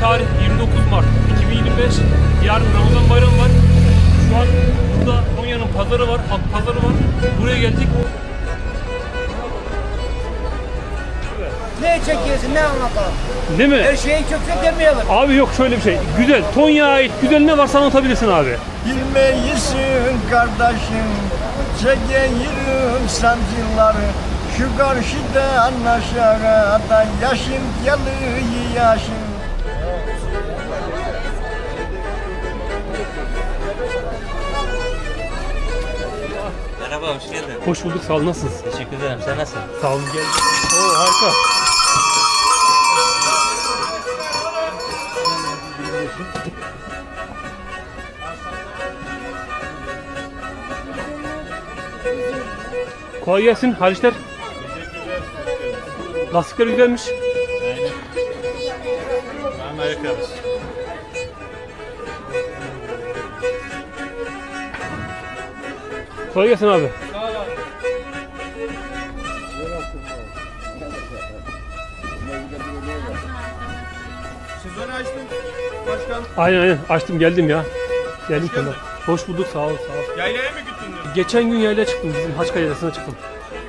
tarih 29 Mart 2025. Yarın Ramazan bayramı var. Şu an burada Konya'nın pazarı var, halk pazarı var. Buraya geldik. Ne çekiyorsun, ne anlatalım? Değil mi? Her şeyi kökse demeyelim. Abi yok şöyle bir şey. Güzel. Tonya'ya ait güzel ne varsa anlatabilirsin abi. Bilmeyisin kardeşim, çekeyim sancıları. Şu karşıda aşağıda yaşım yalı yaşım. Merhaba, hoş geldin. Hoş bulduk. Sağ ol. Nasılsın? Teşekkür ederim. Sen nasılsın? Sağ olun. Gel. Oo harika. Kolay gelsin. Halisler. Lastikler güzelmiş. Amerika'mız. Kolay gelsin abi. Sezonu açtın başkan. Aynen açtım geldim ya. Geldim sana. Hoş bulduk sağ ol sağ ol. Yaylaya mı gittin dün? Geçen gün yaylaya çıktım bizim Haçka yaylasına çıktım.